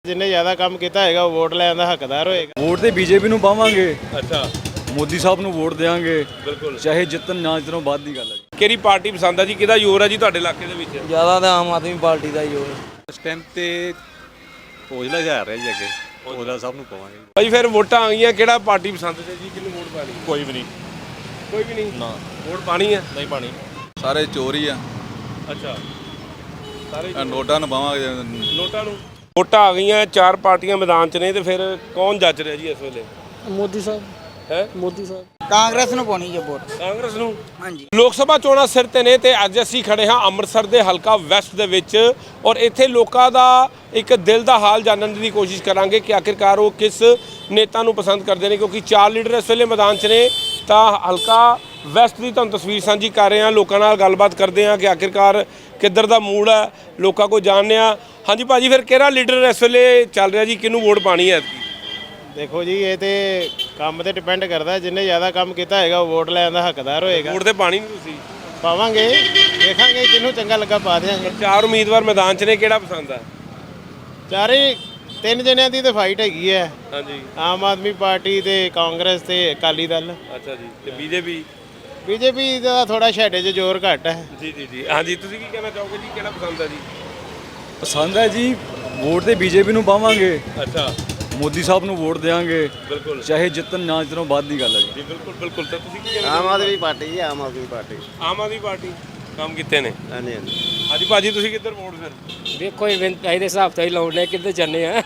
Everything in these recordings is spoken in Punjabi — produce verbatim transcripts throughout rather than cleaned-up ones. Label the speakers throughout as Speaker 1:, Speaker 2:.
Speaker 1: जिन्हें ज़्यादा काम किया है वो वोट लैन का हकदार होएगा।
Speaker 2: वोट तो बीजेपी ਨੂੰ ਪਾਵਾਂਗੇ।
Speaker 3: ਅੱਛਾ
Speaker 2: ਮੋਦੀ ਸਾਹਿਬ ਨੂੰ ਵੋਟ ਦੇਵਾਂਗੇ।
Speaker 3: ਬਿਲਕੁਲ।
Speaker 2: ਚਾਹੇ ਜਿੱਤਣ ਨਾ ਜਿੱਤਣ ਬਾਅਦ ਦੀ ਗੱਲ ਹੈ।
Speaker 3: ਕਿਹੜੀ ਪਾਰਟੀ ਪਸੰਦ ਆ ਜੀ, ਕਿਹਦਾ ਜ਼ੋਰ ਆ ਜੀ ਤੁਹਾਡੇ ਇਲਾਕੇ ਦੇ ਵਿੱਚ?
Speaker 4: ਜ਼ਿਆਦਾ ਤਾਂ ਆਮ ਆਦਮੀ ਪਾਰਟੀ ਦਾ ਹੀ ਹੋ।
Speaker 2: ਇਸ ਟਾਈਮ ਤੇ ਔਜਲਾ ਜਾ ਰਿਹਾ ਜੀ ਅੱਗੇ, ਔਜਲਾ ਸਾਹਿਬ ਨੂੰ ਪਾਵਾਂਗੇ।
Speaker 3: ਭਾਈ ਫਿਰ ਵੋਟਾਂ ਆ ਗਈਆਂ, ਕਿਹੜਾ ਪਾਰਟੀ ਪਸੰਦ ਤੇ ਜੀ, ਕਿਹਨੂੰ ਵੋਟ ਪਾਣੀ?
Speaker 5: ਕੋਈ ਵੀ ਨਹੀਂ।
Speaker 3: ਕੋਈ ਵੀ ਨਹੀਂ
Speaker 5: ਨਾ
Speaker 3: ਵੋਟ ਪਾਣੀ ਆ?
Speaker 5: ਨਹੀਂ ਪਾਣੀ।
Speaker 2: ਸਾਰੇ ਚੋਰੀ ਆ।
Speaker 3: ਅੱਛਾ ਸਾਰੇ
Speaker 2: ਨੋਟਾਂ ਨੂੰ ਪਾਵਾਂਗੇ।
Speaker 3: ਨੋਟਾਂ ਨੂੰ। ਵੋਟਾਂ ਆ ਗਈਆਂ, ਚਾਰ ਪਾਰਟੀਆਂ ਮੈਦਾਨ 'ਚ ਨੇ, ਤੇ ਫਿਰ ਕੌਣ ਜੱਜ ਰਿਹਾ ਜੀ ਇਸ ਵੇਲੇ?
Speaker 4: ਮੋਦੀ ਸਾਹਿਬ
Speaker 3: ਹੈ
Speaker 4: ਮੋਦੀ ਸਾਹਿਬ
Speaker 6: ਕਾਂਗਰਸ ਨੂੰ ਪਾਉਣੀ ਹੈ ਵੋਟ।
Speaker 3: ਕਾਂਗਰਸ ਨੂੰ।
Speaker 6: ਹਾਂਜੀ।
Speaker 3: ਲੋਕ ਸਭਾ ਚੋਣਾਂ ਸਿਰ ਤੇ ਨੇ ਤੇ ਅੱਜ ਅਸੀਂ ਖੜੇ ਹਾਂ ਅੰਮ੍ਰਿਤਸਰ ਦੇ ਹਲਕਾ ਵੈਸਟ ਦੇ ਵਿੱਚ, ਔਰ ਇੱਥੇ ਲੋਕਾਂ ਦਾ ਇੱਕ ਦਿਲ ਦਾ ਹਾਲ ਜਾਣਨ ਦੀ ਕੋਸ਼ਿਸ਼ ਕਰਾਂਗੇ ਕਿ ਆਖਿਰਕਾਰ ਉਹ ਕਿਸ ਨੇਤਾ ਨੂੰ ਪਸੰਦ ਕਰਦੇ ਨੇ, ਕਿਉਂਕਿ ਚਾਰ ਲੀਡਰ ਇਸ ਵੇਲੇ ਮੈਦਾਨ 'ਚ ਨੇ। ਤਾਂ ਹਲਕਾ ਵੈਸਟ ਦੀ ਤੁਹਾਨੂੰ ਤਸਵੀਰ ਸਾਂਝੀ ਕਰ ਰਹੇ ਹਾਂ, ਲੋਕਾਂ ਨਾਲ ਗੱਲਬਾਤ ਕਰਦੇ ਹਾਂ ਕਿ ਆਖਿਰਕਾਰ ਕਿੱਧਰ ਦਾ ਮੂਡ ਹੈ, ਲੋਕਾਂ ਕੋਲ ਜਾਣਦੇ ਹਾਂ। ਹਾਂਜੀ ਭਾਜੀ, ਫਿਰ ਕਿਹੜਾ ਲੀਡਰ ਇਸ ਵੇਲੇ ਚੱਲ ਰਿਹਾ ਜੀ, ਕਿਹਨੂੰ ਵੋਟ ਪਾਣੀ ਹੈ?
Speaker 1: देखो जी ये तो काम पर डिपेंड करता है, जिन्हें ज़्यादा काम किया है वो वोट लैन का हकदार होएगा।
Speaker 3: ਵੋਟ ਤੇ ਪਾਣੀ ਨਹੀਂ ਤੁਸੀਂ?
Speaker 1: पावांगे, देखांगे जिन्हों चंगा लगा पा देंगे।
Speaker 3: ਚਾਰ ਉਮੀਦਵਾਰ ਮੈਦਾਨ 'ਚ ਨੇ, ਕਿਹੜਾ ਪਸੰਦ ਆ?
Speaker 1: चारे तीन जनिया की तो फाइट हैगी है,
Speaker 3: ਹਾਂਜੀ।
Speaker 1: आम आदमी पार्टी ते कांग्रेस ते अकाली दल।
Speaker 3: ਅੱਛਾ ਜੀ, ਤੇ ਬੀਜੇਪੀ?
Speaker 1: बीजेपी का थोड़ा छेड़े च जोर घट है।
Speaker 3: ਜੀ ਜੀ ਜੀ ਹਾਂਜੀ, ਤੁਸੀਂ ਕੀ ਕਹਿਣਾ ਚਾਹੋਗੇ ਜੀ, ਕਿਹੜਾ ਪਸੰਦ ਆ ਜੀ?
Speaker 2: ਪਸੰਦ ਹੈ ਜੀ, ਵੋਟ ਤੇ ਬੀਜੇਪੀ ਨੂੰ ਪਾਵਾਂਗੇ।
Speaker 3: ਅੱਛਾ
Speaker 2: ਮੋਦੀ ਸਾਹਿਬ ਨੂੰ ਵੋਟ ਦੇਵਾਂਗੇ।
Speaker 3: ਬਿਲਕੁਲ।
Speaker 2: ਚਾਹੇ ਜਿੱਤਣ ਨਾ ਜਿੱਤਣ ਬਾਅਦ ਦੀ ਗੱਲ ਹੈ ਜੀ।
Speaker 3: ਜੀ ਬਿਲਕੁਲ ਬਿਲकुल। ਤਾਂ ਤੁਸੀਂ ਕੀ ਕਹਿਣਾ?
Speaker 1: आम आदमी पार्टी जी, आम आदमी पार्टी।
Speaker 3: ਆਮ ਆਦਮੀ ਪਾਰਟੀ ਕੰਮ ਕੀਤੇ ਨੇ।
Speaker 1: हाँ जी हाँ जी।
Speaker 3: ਹਾਂਜੀ ਭਾਜੀ, ਤੁਸੀਂ ਕਿੱਧਰ ਵੋਟ ਫਿਰ?
Speaker 4: ਵੇਖੋ ਇਵੈਂਟ ਇਹਦੇ ਹਿਸਾਬ ਤੋਂ ਹੀ ਲਾਉਣੇ ਕਿੱਧਰ ਚੱਲੇ ਆ।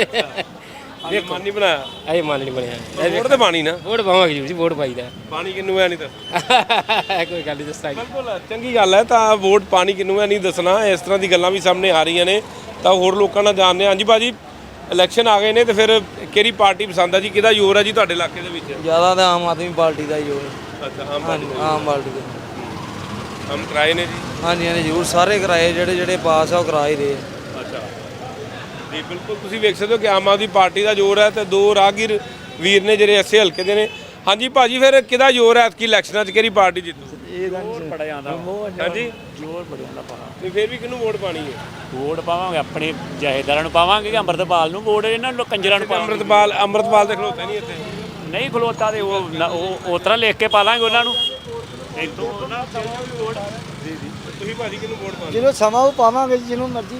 Speaker 3: ਇਹ ਮਨ ਨਹੀਂ ਬਣਾਇਆ?
Speaker 4: ਇਹ ਮਨ ਨਹੀਂ ਬਣਿਆ।
Speaker 3: ਵੋਟ ਤੇ ਪਾਣੀ ਨਾ।
Speaker 4: ਵੋਟ ਪਾਵਾਂਗੇ ਜੀ, ਵੋਟ ਪਾਈਦਾ।
Speaker 3: ਪਾਣੀ ਕਿੰਨੂ ਹੈ ਨਹੀਂ ਤਾਂ?
Speaker 4: ਕੋਈ ਗੱਲ ਨਹੀਂ ਦੱਸਾਂਗੇ।
Speaker 3: ਬਿਲਕੁਲ ਚੰਗੀ ਗੱਲ ਹੈ। ਤਾਂ ਵੋਟ ਪਾਣੀ ਕਿੰਨੂ ਹੈ ਨਹੀਂ ਦੱਸਣਾ, ਇਸ ਤਰ੍ਹਾਂ ਦੀ ਗੱਲਾਂ ਵੀ ਸਾਹਮਣੇ ਆ ਰਹੀਆਂ ਨੇ, ਤਾਂ ਹੋਰ ਲੋਕਾਂ ਨਾਲ ਜਾਣਦੇ ਹਾਂ। ਹਾਂਜੀ ਭਾਜੀ, ਇਲੈਕਸ਼ਨ ਆ ਗਏ ਨੇ ਤੇ ਫਿਰ ਕਿਹੜੀ ਪਾਰਟੀ ਪਸੰਦ ਆ ਜੀ, ਕਿਹਦਾ ਜ਼ੋਰ ਆ ਜੀ ਤੁਹਾਡੇ ਇਲਾਕੇ ਦੇ ਵਿੱਚ?
Speaker 4: ਜ਼ਿਆਦਾ ਤਾਂ ਆਮ ਆਦਮੀ ਪਾਰਟੀ ਦਾ ਹੀ ਹੋ।
Speaker 3: ਅੱਛਾ ਆਮ ਪਾਰਟੀ।
Speaker 4: ਆਮ ਪਾਰਟੀ ਦਾ।
Speaker 3: ਕੰਮ ਕਰਾਏ ਨੇ ਜੀ?
Speaker 4: ਹਾਂਜੀ ਹਾਂਜੀ ਜ਼ਰੂਰ, ਸਾਰੇ ਕਿਰਾਏ ਜਿਹੜੇ ਜਿਹੜੇ ਪਾਸ ਆ ਉਹ ਕਰਾ ਹੀ ਰਹੇ ਆ।
Speaker 3: ਅੱਛਾ ਜੀ ਬਿਲਕੁਲ, ਤੁਸੀਂ ਵੇਖ ਸਕਦੇ ਹੋ ਕਿ ਆਮ ਆਦਮੀ ਪਾਰਟੀ ਦਾ ਜ਼ੋਰ ਹੈ ਤੇ ਦੋ ਰਾਹਗੀਰ ਵੀਰ ਨੇ ਜਿਹੜੇ ਐਸੇ ਹਲਕੇ ਦੇ ਨੇ। ਹਾਂਜੀ ਭਾਜੀ, ਫਿਰ ਕਿਹਦਾ ਜ਼ੋਰ ਹੈ ਐਤਕੀ ਇਲੈਕਸ਼ਨਾਂ 'ਚ, ਕਿਹੜੀ ਪਾਰਟੀ ਜਿੱਤੂ?
Speaker 4: ਜ਼ੋਰ ਬੜਾ ਜਾਂਦਾ।
Speaker 3: ਹਾਂਜੀ
Speaker 4: ਜ਼ੋਰ ਬੜਾ ਜਾਂਦਾ ਪਾਣਾ।
Speaker 3: ਤੇ ਫਿਰ ਵੀ ਕਿਹਨੂੰ ਵੋਟ ਪਾਣੀ ਹੈ?
Speaker 7: ਵੋਟ ਪਾਵਾਂਗੇ ਆਪਣੇ ਜਹੇਦਾਰਾਂ ਨੂੰ ਪਾਵਾਂਗੇ ਕਿ ਅੰਮ੍ਰਿਤਪਾਲ ਨੂੰ ਵੋਟ, ਇਹਨਾਂ ਨੂੰ ਕੰਜਰਾਂ ਨੂੰ ਪਾਵਾਂਗੇ।
Speaker 3: ਅੰਮ੍ਰਿਤਪਾਲ ਅੰਮ੍ਰਿਤਪਾਲ ਦੇ ਖਲੋਤੇ ਨਹੀਂ ਇੱਥੇ?
Speaker 7: ਨਹੀਂ ਖਲੋਤਾ ਤੇ ਉਹ ਨਾ- ਉਹ ਉਸ ਤਰ੍ਹਾਂ ਲਿਖ ਕੇ ਪਾ ਲਾਂਗੇ ਉਹਨਾਂ ਨੂੰ। ਇੱਥੋਂ ਉਹਨਾਂ ਨੂੰ ਵੋਟ।
Speaker 3: ਜੀ ਜੀ। ਤੁਸੀਂ ਭਾਜੀ ਕਿਹਨੂੰ ਵੋਟ ਪਾਣੀ?
Speaker 6: ਜਿਹਨੂੰ ਸਮਾਂ ਉਹ ਪਾਵਾਂਗੇ ਜਿਹਨੂੰ ਮਰਜ਼ੀ।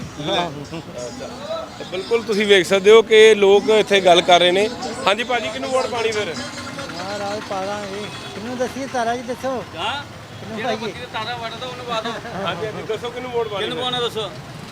Speaker 3: ਤੇ ਬਿਲਕੁਲ ਤੁਸੀਂ ਵੇਖ ਸਕਦੇ ਹੋ ਕਿ ਲੋਕ ਇੱਥੇ ਗੱਲ ਕਰ ਰਹੇ ਨੇ। ਹਾਂਜੀ ਭਾਜੀ, ਕਿਹਨੂੰ ਵੋਟ ਪਾਣੀ ਫਿਰ?
Speaker 6: ਮਹਾਰਾਜ ਪਾਵਾਂਗੇ। ਕਿਹਨੂੰ ਦੱਸੀਏ ਤਾਰਾ ਜੀ ਦੱਸੋ।
Speaker 7: ਹਾਂ
Speaker 6: ਕਿਹਨੂੰ ਪਾਈਏ?
Speaker 7: ਤਾਰਾ ਵੜਦਾ ਉਹਨੂੰ ਪਾ ਦੋ।
Speaker 3: ਹਾਂਜੀ ਹਾਂਜੀ ਦੱਸੋ ਕਿਹਨੂੰ ਵੋਟ ਪਾਣੀ?
Speaker 7: ਕਿਹਨੂੰ ਪਾਉਣਾ ਦੱਸੋ।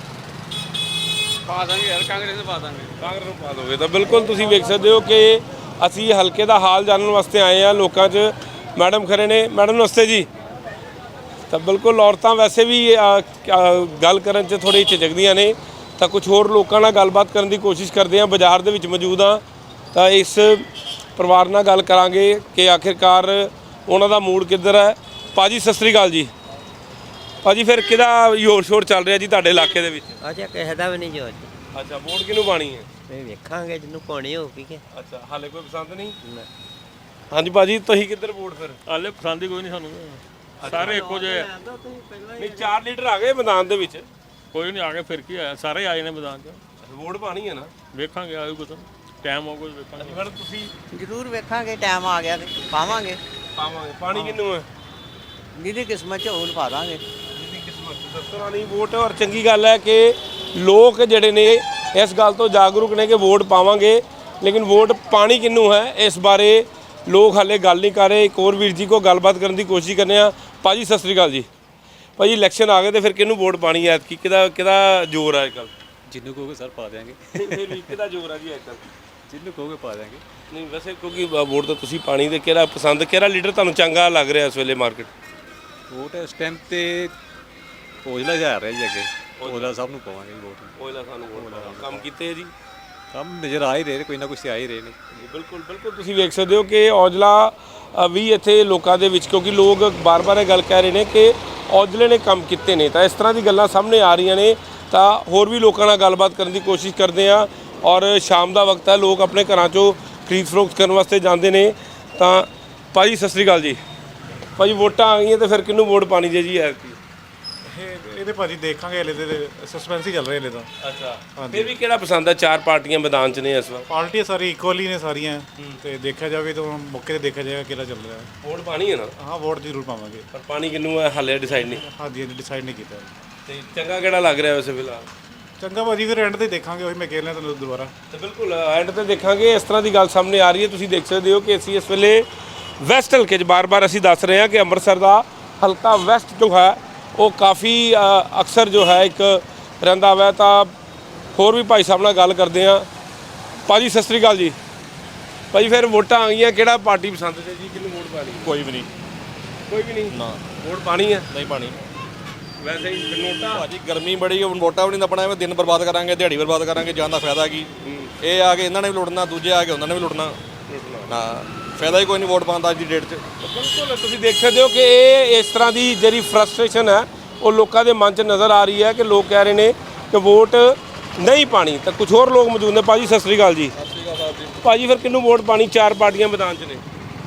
Speaker 7: ਪਾ ਦਾਂਗੇ ਯਾਰ, ਕਾਂਗਰਸ ਨੂੰ ਪਾ ਦਾਂਗੇ।
Speaker 3: ਕਾਂਗਰਸ ਨੂੰ ਪਾ ਦੋਗੇ। ਤਾਂ ਬਿਲਕੁਲ ਤੁਸੀਂ ਵੇਖ ਸਕਦੇ ਹੋ ਕਿ ਅਸੀਂ ਹਲਕੇ ਦਾ ਹਾਲ ਜਾਣਨ ਵਾਸਤੇ ਆਏ ਹਾਂ ਲੋਕਾਂ 'ਚ। ਮੈਡਮ ਖੜੇ ਨੇ। ਮੈਡਮ ਨਮਸਤੇ ਜੀ। ਤਾਂ ਬਿਲਕੁਲ ਔਰਤਾਂ ਵੈਸੇ ਵੀ ਅ, ਅ, ਗੱਲ ਕਰਨ 'ਚ ਥੋੜ੍ਹੀ ਝਿਜਕਦੀਆਂ ਨੇ, ਤਾਂ ਕੁਝ ਹੋਰ ਲੋਕਾਂ ਨਾਲ ਗੱਲਬਾਤ ਕਰਨ ਦੀ ਕੋਸ਼ਿਸ਼ ਕਰਦੇ ਹਾਂ। ਬਾਜ਼ਾਰ ਦੇ ਵਿੱਚ ਮੌਜੂਦ ਹਾਂ, ਤਾਂ ਇਸ ਪਰਿਵਾਰ ਨਾਲ ਗੱਲ ਕਰਾਂਗੇ ਕਿ ਆਖਿਰਕਾਰ ਉਹਨਾਂ ਦਾ ਮੂਡ ਕਿੱਧਰ ਹੈ। ਭਾਜੀ ਸਤਿ ਸ੍ਰੀ ਅਕਾਲ ਜੀ। ਭਾਜੀ ਫਿਰ ਕਿਹਦਾ ਜ਼ੋਰ ਸ਼ੋਰ ਚੱਲ ਰਿਹਾ ਜੀ ਤੁਹਾਡੇ ਇਲਾਕੇ ਦੇ ਵਿੱਚ?
Speaker 6: ਅੱਛਾ ਕਿਸੇ ਦਾ ਵੀ ਨਹੀਂ ਜੋ।
Speaker 3: ਅੱਛਾ ਵੋਟ ਕਿਹਨੂੰ ਪਾਣੀ ਹੈ?
Speaker 6: ਇਹ ਵੇਖਾਂਗੇ ਜਿਹਨੂੰ ਪਾਉਣੀ ਹੋਊਗੀ ਕਿ।
Speaker 3: ਅੱਛਾ ਹਾਲੇ ਕੋਈ ਪਸੰਦ ਨਹੀਂ? ਹਾਂਜੀ ਭਾਜੀ, ਤੁਸੀਂ ਕਿੱਧਰ ਵੋਟ ਫਿਰ?
Speaker 7: ਹਾਲੇ ਪਸੰਦ ਹੀ ਕੋਈ ਨਹੀਂ ਸਾਨੂੰ, ਸਾਰੇ ਇੱਕੋ ਜਿਹੇ ਆ।
Speaker 3: ਨਹੀਂ ਚਾਰ ਲੀਡਰ ਆ ਗਏ ਮੈਦਾਨ ਦੇ ਵਿੱਚ।
Speaker 7: ਕੋਈ ਨਹੀਂ ਆ ਕੇ ਫਿਰ ਕੀ ਆਇਆ, ਸਾਰੇ ਆਏ ਨੇ ਮੈਦਾਨ 'ਚ।
Speaker 3: ਵੋਟ ਪਾਣੀ ਹੈ ਨਾ?
Speaker 7: ਵੇਖਾਂਗੇ ਆਇਓ ਕੁਝ ਟਾਈਮ ਆਊਗਾ ਵੇਖਾਂਗੇ।
Speaker 3: ਫਿਰ ਤੁਸੀਂ
Speaker 6: ਜ਼ਰੂਰ ਵੇਖਾਂਗੇ, ਟਾਈਮ ਆ ਗਿਆ ਤੇ ਪਾਵਾਂਗੇ।
Speaker 3: ਪਾਵਾਂਗੇ। ਪਾਣੀ ਕਿਹਨੂੰ ਹੈ?
Speaker 6: ਜਿਹਦੀ ਕਿਸਮਤ ਚ ਹੋਣ ਪਾ ਦਾਂਗੇ।
Speaker 3: ਜਿਹਦੀ ਕਿਸਮਤ ਦੱਸਣਾ ਨਹੀਂ ਵੋਟ। ਔਰ ਚੰਗੀ ਗੱਲ ਹੈ ਕਿ ਲੋਕ ਜਿਹੜੇ ਨੇ ਇਸ ਗੱਲ ਤੋਂ ਜਾਗਰੂਕ ਨੇ ਕਿ ਵੋਟ ਪਾਵਾਂਗੇ, ਲੇਕਿਨ ਵੋਟ ਪਾਣੀ ਕਿਹਨੂੰ ਹੈ ਇਸ ਬਾਰੇ ਲੋਕ ਹਾਲੇ ਗੱਲ ਨਹੀਂ ਕਰ ਰਹੇ। ਇੱਕ ਹੋਰ ਵੀਰ ਜੀ ਕੋ ਗੱਲਬਾਤ ਕਰਨ ਦੀ ਕੋਸ਼ਿਸ਼ ਕਰਨੇ ਆ। ਭਾਜੀ ਸਤਿ ਸ੍ਰੀ ਅਕਾਲ ਜੀ। ਭਾਜੀ ਇਲੈਕਸ਼ਨ ਆ ਗਏ ਤੇ ਫਿਰ ਕਿਹਨੂੰ ਵੋਟ ਪਾਣੀ ਹੈ ਐਤਕੀ, ਕਿਹਦਾ ਕਿਹਦਾ ਜ਼ੋਰ ਹੈ ਅੱਜ ਕੱਲ੍ਹ?
Speaker 2: ਜਿੰਨੂੰ ਕਹੋਗੇ ਸਰ ਪਾ ਦੇਵਾਂਗੇ।
Speaker 3: ਫਿਰ ਵੀ ਕਿਹਦਾ ਜ਼ੋਰ ਹੈ ਜੀ ਅੱਜ ਕੱਲ੍ਹ?
Speaker 2: ਜਿੰਨੂੰ ਕਹੋਗੇ ਪਾ ਦੇਵਾਂਗੇ।
Speaker 3: ਨਹੀਂ ਵੈਸੇ ਕਿਉਂਕਿ ਵੋਟ ਤਾਂ ਤੁਸੀਂ ਪਾਣੀ ਦੇ, ਕਿਹੜਾ ਪਸੰਦ, ਕਿਹੜਾ ਲੀਡਰ ਤੁਹਾਨੂੰ ਚੰਗਾ ਲੱਗ ਰਿਹਾ ਇਸ ਵੇਲੇ ਮਾਰਕੀਟ?
Speaker 2: ਵੋਟ ਇਸ ਟਾਈਮ ਤੇ ਔਜਲਾ ਜਾ ਰਿਹਾ ਜੀ ਅੱਗੇ, ਔਜਲਾ ਸਾਹਿਬ ਨੂੰ ਪਾਵਾਂਗੇ ਵੋਟ।
Speaker 3: ਉਹਦਾ ਸਾਨੂੰ ਵੋਟ ਕੰਮ ਕੀਤੇ ਜੀ?
Speaker 2: ਕੰਮ ਨਜ਼ਰ ਆ ਹੀ ਰਹੇ ਨੇ, ਕੋਈ ਨਾ ਕੁਛ ਆ ਹੀ ਰਹੇ ਨੇ।
Speaker 3: ਬਿਲਕੁਲ ਬਿਲਕੁਲ ਤੁਸੀਂ ਵੇਖ ਸਕਦੇ ਹੋ ਕਿ ਔਜਲਾ ਅ, ਵੀ ਇੱਥੇ ਲੋਕਾਂ ਦੇ ਵਿੱਚ, ਕਿਉਂਕਿ ਲੋਕ ਬਾਰ-ਬਾਰ ਇਹ ਗੱਲ ਕਹਿ ਰਹੇ ਨੇ ਕਿ ਔਜਲੇ ਨੇ ਕੰਮ ਕੀਤੇ ਨੇ, ਤਾਂ ਇਸ ਤਰ੍ਹਾਂ ਦੀ ਗੱਲਾਂ ਸਾਹਮਣੇ ਆ ਰਹੀਆਂ ਨੇ। ਤਾਂ ਹੋਰ ਵੀ ਲੋਕਾਂ ਨਾਲ ਗੱਲਬਾਤ ਕਰਨ ਦੀ ਕੋਸ਼ਿਸ਼ ਕਰਦੇ ਹਾਂ। ਔਰ ਸ਼ਾਮ ਦਾ ਵਕਤ ਹੈ, ਲੋਕ ਆਪਣੇ ਘਰਾਂ 'ਚੋਂ ਖਰੀਦ ਫਰੋਖਤ ਕਰਨ ਵਾਸਤੇ ਜਾਂਦੇ ਨੇ। ਤਾਂ ਭਾਜੀ ਸਤਿ ਸ੍ਰੀ ਅਕਾਲ ਜੀ। ਭਾਜੀ ਵੋਟਾਂ ਆ ਗਈਆਂ ਤੇ ਫਿਰ ਕਿਹਨੂੰ ਵੋਟ ਪਾਣੀ ਜੇ ਜੀ ਐਤਕੀ?
Speaker 5: ਇਹ ਇਹ ਤੇ ਭਾਜੀ ਦੇਖਾਂਗੇ, ਹਲੇ ਤੇ ਸਸਪੈਂਸ ਹੀ ਚੱਲ ਰਿਹਾ ਹਲੇ ਤਾਂ।
Speaker 3: ਅੱਛਾ, ਫਿਰ ਵੀ ਕਿਹੜਾ ਪਸੰਦ ਹੈ? ਚਾਰ ਪਾਰਟੀਆਂ ਮੈਦਾਨ 'ਚ ਨੇ ਇਸ ਵਾਰ।
Speaker 5: ਪਾਰਟੀਆਂ ਸਾਰੀ ਇਕੁਅਲ ਹੀ ਨੇ ਸਾਰੀਆਂ, ਤੇ ਦੇਖਿਆ ਜਾਵੇ ਤਾਂ ਮੌਕੇ ਤੇ ਦੇਖਿਆ ਜਾਏਗਾ ਕਿਹੜਾ ਚੱਲ ਰਿਹਾ ਹੈ।
Speaker 3: ਵੋਟ ਪਾਣੀ ਹੈ ਨਾ?
Speaker 5: ਹਾਂ, ਵੋਟ ਜ਼ਰੂਰ ਪਾਵਾਂਗੇ,
Speaker 3: ਪਰ ਪਾਣੀ ਕਿਹਨੂੰ ਹੈ ਹਾਲੇ ਡਿਸਾਈਡ ਨਹੀਂ।
Speaker 5: ਹਾਂਜੀ ਹਾਂਜੀ ਡਿਸਾਈਡ ਨਹੀਂ ਕੀਤਾ।
Speaker 3: ਤੇ ਚੰਗਾ ਕਿਹੜਾ ਲੱਗ ਰਿਹਾ ਵੈਸੇ ਫਿਲਹਾਲ?
Speaker 5: ਚੰਗਾ ਭਾਜੀ ਫਿਰ ਐਂਡ ਤੇ ਦੇਖਾਂਗੇ, ਉਹੀ ਮੈਂ ਕਹਿ ਰਿਹਾ ਤੁਹਾਨੂੰ ਦੁਬਾਰਾ।
Speaker 3: ਤੇ ਬਿਲਕੁਲ ਐਂਡ ਤੇ ਦੇਖਾਂਗੇ। ਇਸ ਤਰ੍ਹਾਂ ਦੀ ਗੱਲ ਸਾਹਮਣੇ ਆ ਰਹੀ ਹੈ, ਤੁਸੀਂ ਦੇਖ ਸਕਦੇ ਹੋ ਕਿ ਅਸੀਂ ਇਸ ਵੇਲੇ ਵੈਸਟ ਹਲਕੇ 'ਚ ਬਾਰ-ਬਾਰ ਅਸੀਂ ਦੱਸ ਰਹੇ ਹਾਂ ਕਿ ਅੰਮ੍ਰਿਤਸਰ ਦਾ ਹਲਕਾ ਵੈਸਟ ਜੋ ਹੈ ਉਹ ਕਾਫੀ ਅ, ਅਕਸਰ ਜੋ ਹੈ ਇੱਕ ਰਹਿੰਦਾ ਵਾ। ਤਾਂ ਹੋਰ ਵੀ ਭਾਈ ਸਾਹਿਬ ਨਾਲ ਗੱਲ ਕਰਦੇ ਹਾਂ। ਭਾਜੀ ਸਤਿ ਸ੍ਰੀ ਅਕਾਲ ਜੀ। ਭਾਜੀ ਫਿਰ ਵੋਟਾਂ ਆ ਗਈਆਂ, ਕਿਹੜਾ ਪਾਰਟੀ ਪਸੰਦ ਹੈ ਜੀ? ਕਿਹਨੂੰ ਵੋਟ ਪਾਣੀ?
Speaker 8: ਕੋਈ ਵੀ ਨਹੀਂ।
Speaker 3: ਕੋਈ ਵੀ ਨਹੀਂ
Speaker 8: ਨਾ
Speaker 3: ਵੋਟ ਪਾਣੀ ਹੈ?
Speaker 8: ਨਹੀਂ ਪਾਣੀ।
Speaker 3: ਵੈਸੇ ਹੀ ਨੋਟਾ
Speaker 8: ਭਾਜੀ ਗਰਮੀ ਬੜੀ, ਹੁਣ ਵੋਟਾਂ ਵੀ ਨਹੀਂ ਨੱਪਣਾ, ਐਵੇਂ ਦਿਨ ਬਰਬਾਦ ਕਰਾਂਗੇ, ਦਿਹਾੜੀ ਬਰਬਾਦ ਕਰਾਂਗੇ, ਜਾਣ ਦਾ ਫਾਇਦਾ ਕੀ? ਇਹ ਆ ਕੇ ਇਹਨਾਂ ਨੇ ਵੀ ਲੁੱਟਣਾ, ਦੂਜੇ ਆ ਕੇ ਉਹਨਾਂ ਨੇ ਵੀ ਲੁੱਟਣਾ। ਨਾ ਫਾਇਦਾ ਹੀ ਕੋਈ ਨਹੀਂ ਵੋਟ ਪਾਉਣ ਦਾ ਅੱਜ ਦੀ ਡੇਟ 'ਚ।
Speaker 3: ਬਿਲਕੁਲ ਤੁਸੀਂ ਦੇਖ ਸਕਦੇ ਹੋ ਕਿ ਇਹ ਇਸ ਤਰ੍ਹਾਂ ਦੀ ਜਿਹੜੀ ਫਰਸਟ੍ਰੇਸ਼ਨ ਹੈ ਉਹ ਲੋਕਾਂ ਦੇ ਮਨ 'ਚ ਨਜ਼ਰ ਆ ਰਹੀ ਹੈ ਕਿ ਲੋਕ ਕਹਿ ਰਹੇ ਨੇ ਕਿ ਵੋਟ ਨਹੀਂ ਪਾਣੀ। ਤਾਂ ਕੁਝ ਹੋਰ ਲੋਕ ਮੌਜੂਦ ਨੇ। ਭਾਜੀ ਸਤਿ ਸ੍ਰੀ ਅਕਾਲ ਜੀ।
Speaker 8: ਸਤਿ ਸ਼੍ਰੀ ਅਕਾਲ ਸਾਹਿਬ ਜੀ।
Speaker 3: ਭਾਜੀ ਫਿਰ ਕਿਹਨੂੰ ਵੋਟ ਪਾਣੀ? ਚਾਰ ਪਾਰਟੀਆਂ ਮੈਦਾਨ 'ਚ ਨੇ।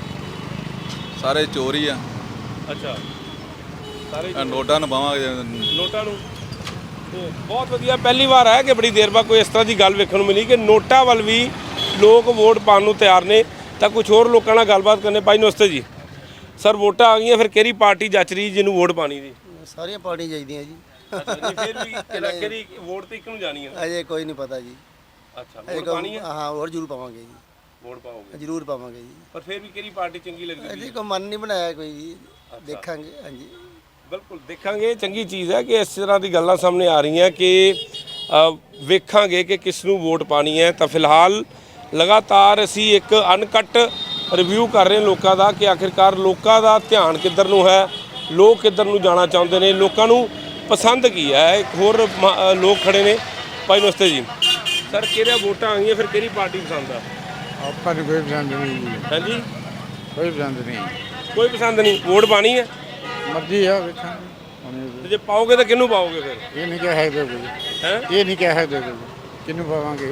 Speaker 8: ਸਾਰੇ ਚੋਰ ਹੀ ਆ।
Speaker 3: ਅੱਛਾ, ਸਾਰੇ
Speaker 8: ਆਹ ਨੋਟਾਂ ਨਵਾਵਾਂਗੇ।
Speaker 3: ਨੋਟਾਂ ਨੂੰ ਤੇ ਬਹੁਤ ਵਧੀਆ, ਪਹਿਲੀ ਵਾਰ ਹੈ ਕਿ ਬੜੀ ਦੇਰ ਬਾਅਦ ਕੋਈ ਇਸ ਤਰ੍ਹਾਂ ਦੀ ਗੱਲ ਵੇਖਣ ਨੂੰ ਮਿਲੀ ਕਿ ਨੋਟਾਂ ਵੱਲ ਵੀ ਲੋਕ ਵੋਟ ਪਾਉਣ ਨੂੰ ਤਿਆਰ ਨੇ। ਤਾਂ ਕੁਝ ਹੋਰ ਲੋਕਾਂ ਨਾਲ ਗੱਲਬਾਤ ਕਰਨੇ। ਭਾਈ ਨਮਸਤੇ ਜੀ। ਸਰ ਵੋਟਾਂ ਆ ਗਈਆਂ, ਫਿਰ ਕਿਹੜੀ ਪਾਰਟੀ ਜੱਚ ਰਹੀ ਜਿਹਨੂੰ ਵੋਟ ਪਾਣੀ ਦੀ?
Speaker 6: ਸਾਰੀਆਂ ਪਾਰਟੀਆਂ ਚਾਹੀਦੀਆਂ ਜੀ।
Speaker 3: ਅੱਛਾ ਨਹੀਂ, ਫਿਰ ਵੀ ਕਿਹੜਾ ਕਿਹੜੀ ਵੋਟ ਤੇ ਇੱਕ ਨੂੰ ਜਾਣੀ ਹੈ?
Speaker 6: ਅਜੇ ਕੋਈ ਨਹੀਂ ਪਤਾ ਜੀ।
Speaker 3: ਅੱਛਾ,
Speaker 6: ਅਜੇ
Speaker 3: ਵੋਟ ਪਾਣੀ ਹੈ?
Speaker 6: ਹਾਂ, ਹੋਰ ਜ਼ਰੂਰ ਪਾਵਾਂਗੇ ਜੀ।
Speaker 3: ਵੋਟ ਪਾਓਗੇ?
Speaker 6: ਜ਼ਰੂਰ ਪਾਵਾਂਗੇ ਜੀ।
Speaker 3: ਪਰ ਫਿਰ ਵੀ ਕਿਹੜੀ ਪਾਰਟੀ ਚੰਗੀ ਲੱਗਦੀ?
Speaker 6: ਅਜੇ ਕੋਈ ਮਨ ਨਹੀਂ ਬਣਾਇਆ ਕੋਈ ਜੀ, ਦੇਖਾਂਗੇ। ਹਾਂਜੀ
Speaker 3: ਬਿਲਕੁਲ ਦੇਖਾਂਗੇ। ਚੰਗੀ ਚੀਜ਼ ਹੈ ਕਿ ਇਸ ਤਰ੍ਹਾਂ ਦੀ ਗੱਲਾਂ ਸਾਹਮਣੇ ਆ ਰਹੀਆਂ ਕਿ ਅ, ਵੇਖਾਂਗੇ ਕਿ ਕਿਸ ਨੂੰ ਵੋਟ ਪਾਣੀ ਹੈ। ਤਾਂ ਫਿਲਹਾਲ ਲਗਾਤਾਰ ਅਸੀਂ ਇੱਕ ਅਨਕਟ ਰਿਵਿਊ ਕਰ ਰਹੇ ਹਾਂ ਲੋਕਾਂ ਦਾ ਕਿ ਆਖਿਰਕਾਰ ਲੋਕਾਂ ਦਾ ਧਿਆਨ ਕਿੱਧਰ ਨੂੰ ਹੈ, ਲੋਕ ਕਿੱਧਰ ਨੂੰ ਜਾਣਾ ਚਾਹੁੰਦੇ ਨੇ, ਲੋਕਾਂ ਨੂੰ ਪਸੰਦ ਕੀ ਹੈ। ਇੱਕ ਹੋਰ ਮ- ਅ, ਲੋਕ ਖੜੇ ਨੇ। ਭਾਈ ਨਮਸਤੇ ਜੀ। ਸਰ ਕਿਹੜੀਆਂ ਵੋਟਾਂ ਆ ਗਈਆਂ, ਫਿਰ ਕਿਹੜੀ ਪਾਰਟੀ ਪਸੰਦ ਆ?
Speaker 9: ਆਪਾਂ ਨੂੰ ਕੋਈ ਪਸੰਦ ਨਹੀਂ ਜੀ,
Speaker 3: ਹਾਂਜੀ,
Speaker 9: ਕੋਈ ਪਸੰਦ ਨਹੀਂ।
Speaker 3: ਕੋਈ ਪਸੰਦ ਨਹੀਂ। ਵੋਟ ਪਾਣੀ ਹੈ?
Speaker 9: ਮਰਜ਼ੀ ਆ, ਵੇਖਾਂਗੇ।
Speaker 3: ਤੇ ਜੇ ਪਾਓਗੇ ਤਾਂ ਕਿਹਨੂੰ ਪਾਓਗੇ ਫਿਰ?
Speaker 9: ਇਹ ਨਹੀਂ ਕਹਿ ਸਕਦੇ ਕੋਈ,
Speaker 3: ਹੈ
Speaker 9: ਇਹ ਨਹੀਂ ਕਹਿ ਸਕਦੇ ਕੋਈ ਕਿਹਨੂੰ ਪਾਵਾਂਗੇ,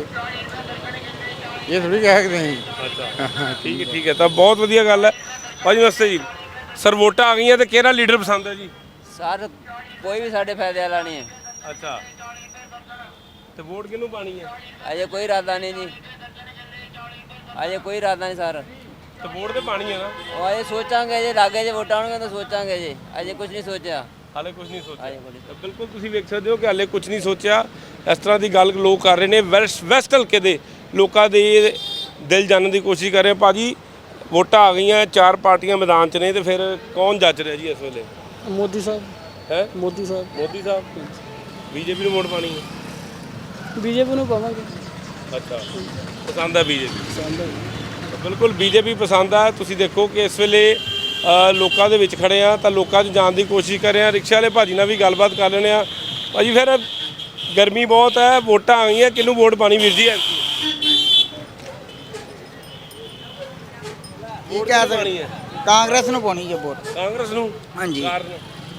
Speaker 9: ਇਹ ਥੋੜੀ ਕਹਿ ਸਕਦੇ ਅਸੀਂ।
Speaker 3: ਅੱਛਾ ਠੀਕ ਹੈ, ਠੀਕ ਹੈ। ਤਾਂ ਬਹੁਤ ਵਧੀਆ ਗੱਲ ਹੈ। ਭਾਜੀ ਨਮਸਤੇ ਜੀ। ਸਰ ਵੋਟਾਂ ਆ ਗਈਆਂ ਤੇ ਕਿਹੜਾ ਲੀਡਰ ਪਸੰਦ ਹੈ ਜੀ?
Speaker 4: ਸਰ ਕੋਈ ਵੀ ਸਾਡੇ ਫਾਇਦੇ ਵਾਲਾ ਨਹੀਂ ਹੈ।
Speaker 3: ਅੱਛਾ, ਤੇ ਵੋਟ ਕਿਹਨੂੰ ਪਾਣੀ ਹੈ?
Speaker 4: ਅਜੇ ਕੋਈ ਇਰਾਦਾ ਨਹੀਂ ਜੀ, ਅਜੇ ਕੋਈ ਇਰਾਦਾ ਨਹੀਂ ਸਰ।
Speaker 3: ਤੇ ਵੋਟ ਤੇ ਪਾਣੀ ਹੈ ਨਾ?
Speaker 4: ਉਹ ਅਜੇ ਸੋਚਾਂਗੇ, ਜੇ ਲਾਗੇ ਜੇ ਵੋਟਾਂ ਆਉਣਗੇ ਤਾਂ ਸੋਚਾਂਗੇ ਜੀ, ਅਜੇ ਕੁਝ ਨਹੀਂ ਸੋਚਿਆ।
Speaker 3: ਹਾਲੇ ਕੁਝ ਨਹੀਂ ਸੋਚਿਆ।
Speaker 4: ਅਜੇ ਕੁਝ ਨਹੀਂ।
Speaker 3: ਤਾਂ ਬਿਲਕੁਲ ਤੁਸੀਂ ਵੇਖ ਸਕਦੇ ਹੋ ਕਿ ਹਾਲੇ ਕੁਝ ਨਹੀਂ ਸੋਚਿਆ। ਇਸ ਤਰ੍ਹਾਂ ਦੀ ਗੱਲ ਲੋਕ ਕਰ ਰਹੇ ਨੇ। ਵੈਸਟ ਵੈਸਟ ਹਲਕੇ ਦੇ ਲੋਕਾਂ ਦੇ ਦਿਲ ਜਾਣਨ ਦੀ ਕੋਸ਼ਿਸ਼ ਕਰ ਰਹੇ। ਭਾਜੀ ਵੋਟਾਂ ਆ ਗਈਆਂ, ਚਾਰ ਪਾਰਟੀਆਂ ਮੈਦਾਨ 'ਚ ਨੇ, ਤੇ ਫਿਰ ਕੌਣ ਜੱਜ ਰਿਹਾ ਜੀ ਇਸ ਵੇਲੇ?
Speaker 6: ਮੋਦੀ ਸਾਹਿਬ।
Speaker 3: ਹੈ
Speaker 6: ਮੋਦੀ ਸਾਹਿਬ।
Speaker 3: ਮੋਦੀ ਸਾਹਿਬ। ਬੀਜੇਪੀ ਨੂੰ ਵੋਟ ਪਾਣੀ ਹੈ?
Speaker 6: ਬੀਜੇਪੀ ਨੂੰ ਪਾਵਾਂਗੇ।
Speaker 3: ਅੱਛਾ, ਪਸੰਦ ਹੈ ਬੀਜੇਪੀ? ਪਸੰਦ ਹੈ, ਬਿਲਕੁਲ ਬੀਜੇਪੀ ਪਸੰਦ ਹੈ। ਤੁਸੀਂ ਦੇਖੋ ਕਿ ਇਸ ਵੇਲੇ ਅ, ਲੋਕਾਂ ਦੇ ਵਿੱਚ ਖੜੇ ਆ, ਤਾਂ ਲੋਕਾਂ 'ਚ ਜਾਣ ਦੀ ਕੋਸ਼ਿਸ਼ ਕਰ ਰਹੇ ਆ। ਰਿਕਸ਼ਾ ਵਾਲੇ ਭਾਜੀ ਨਾਲ ਵੀ ਗੱਲਬਾਤ ਕਰ ਲੈਂਦੇ ਆ। ਭਾਜੀ ਫਿਰ ਗਰਮੀ ਬਹੁਤ ਹੈ, ਵੋਟਾਂ ਆ ਗਈਆਂ, ਕਿਹਨੂੰ ਵੋਟ ਪਾਣੀ ਵੀਰ ਜੀ?
Speaker 6: ਕੀ ਕਹਿ ਸਕਦੇ, ਕਾਂਗਰਸ ਨੂੰ ਪਾਉਣੀ ਜੇ ਵੋਟ।
Speaker 3: ਕਾਂਗਰਸ ਨੂੰ?
Speaker 6: ਹਾਂਜੀ।
Speaker 3: ਕਾਰਨ